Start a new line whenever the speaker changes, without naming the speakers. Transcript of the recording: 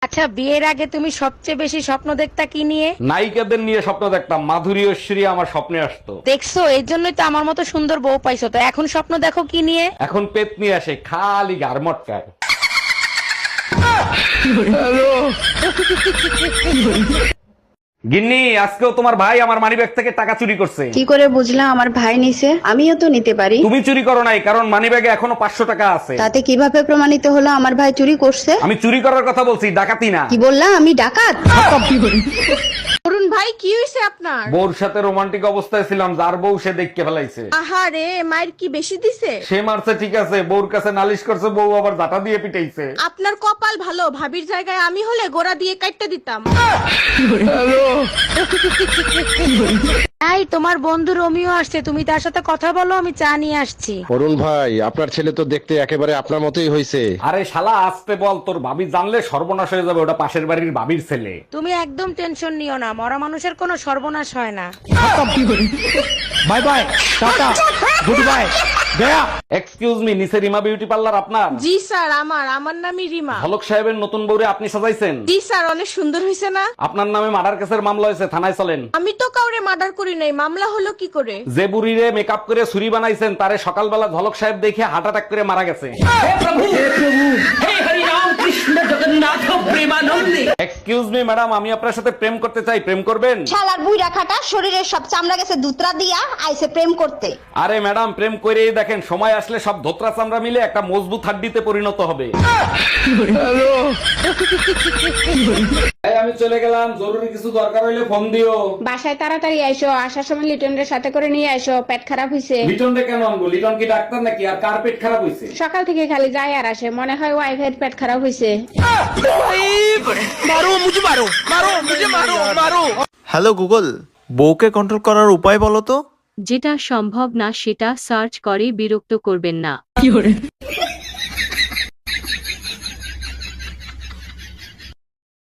আচ্ছা, বিয়ের আগে তুমি সবচেয়ে বেশি স্বপ্ন দেখতা কি নিয়ে?
নায়িকাদের নিয়ে স্বপ্ন দেখতাম, মাধুরী ঐশ্বরী আমার স্বপ্নে আসতো।
দেখছো, এর জন্যই তো আমার মতো সুন্দর বউ পাইছো। তো এখন স্বপ্ন দেখো কি নিয়ে?
এখন পেত নিয়ে আসে, খালি গারমটকায়। গিন্নি, আজকেও তোমার ভাই আমার মানিব্যাগ থেকে টাকা চুরি করছে।
কি করে বুঝলা আমার ভাই নিছে? আমিও তো নিতে পারি।
তুমি চুরি করো নাই, কারণ মানিব্যাগে এখনো 500 টাকা আছে।
তাতে কিভাবে প্রমাণিত হলো আমার ভাই চুরি করছে?
আমি চুরি করার কথা বলছি, ডাকাতি না।
কি বললা? আমি ডাকাত?
অরুণ ভাই, কি হয়েছে আপনার?
বউর সাথে রোমান্টিক অবস্থায় ছিলাম, যার বউ সে দেখতে ফেলাইছে।
আহারে, মায়ের কি বেশি দিছে?
সে মারছে ঠিক আছে, বউর কাছে নালিশ করছে, বউ আবার জাটা দিয়ে পিটাইছে।
আপনার কপাল ভালো, ভাবির জায়গায় আমি হলে গোড়া দিয়ে কাটতে দিতাম।
এই, তোমার বন্ধু রোমিও আসছে, তুমি তার সাথে কথা বলো, আমি চা নিয়ে আসছি।
অরুণ ভাই, আপনার ছেলে তো দেখতে একেবারে আপনার মতোই হয়েছে।
আরে শালা, আসতে বল, তোর ভাবি জানলে সর্বনাশ হয়ে যাবে। ওটা পাশের বাড়ির ভাবির ছেলে।
তুমি একদম টেনশন নিও না, মরা মানুষের কোনো সর্বনাশ হয় না।
Bye bye, tata, good bye, গয়া। এক্সকিউজ মি, নিচে রিমা বিউটি পার্লার আপনার?
জি স্যার, আমার নামই রিমা।
হলক সাহেবের নতুন বউরে আপনি সাজাইছেন?
জি স্যার, অনেক সুন্দর হয়েছে না?
আপনার নামে মার্ডার কেসের মামলা হয়েছে, থানায় চলেন।
আমি তো কাউরে মার্ডার করি নাই, মামলা হলো কি করে?
যে বুড়িরে মেকআপ করে ছুরি বানাইছেন, তারে সকালবেলা ঝলক সাহেব দেখে হার্ট অ্যাটাক করে মারা গেছে। এক্সকিউজ মি ম্যাডাম, আমি আপনার সাথে প্রেম করতে চাই, প্রেম করবেন?
শালার বুইড়া খাটা শরীরের সব চামড়া গেছে দুতরা দিয়া আইছে প্রেম করতে।
আরে ম্যাডাম, প্রেম করেই দেখেন, সময় আসলে সব ধোত্রা চামড়া মিলে একটা মজবুত হাড্ডিতে পরিণত হবে। এই, আমি চলে গেলাম, জরুরি কিছু দরকার হইলে ফোন দিও।
বাসায় তাড়াতাড়ি আইসো, আসার সময় লিটনের সাথে করে নিয়ে আইসো, পেট খারাপ হইছে।
লিটন রে কেন আনবো? লিটন কি ডাক্তার নাকি? আর কার পেট খারাপ হয়েছে?
সকাল থেকে খালি যায় আর আসে, মনে হয় ওয়াইফের পেট খারাপ হইছে।
হ্যালো গুগল, বউকে কন্ট্রোল করার উপায় বলো তো।
যেটা সম্ভব না সেটা সার্চ করে বিরক্ত করবেন না।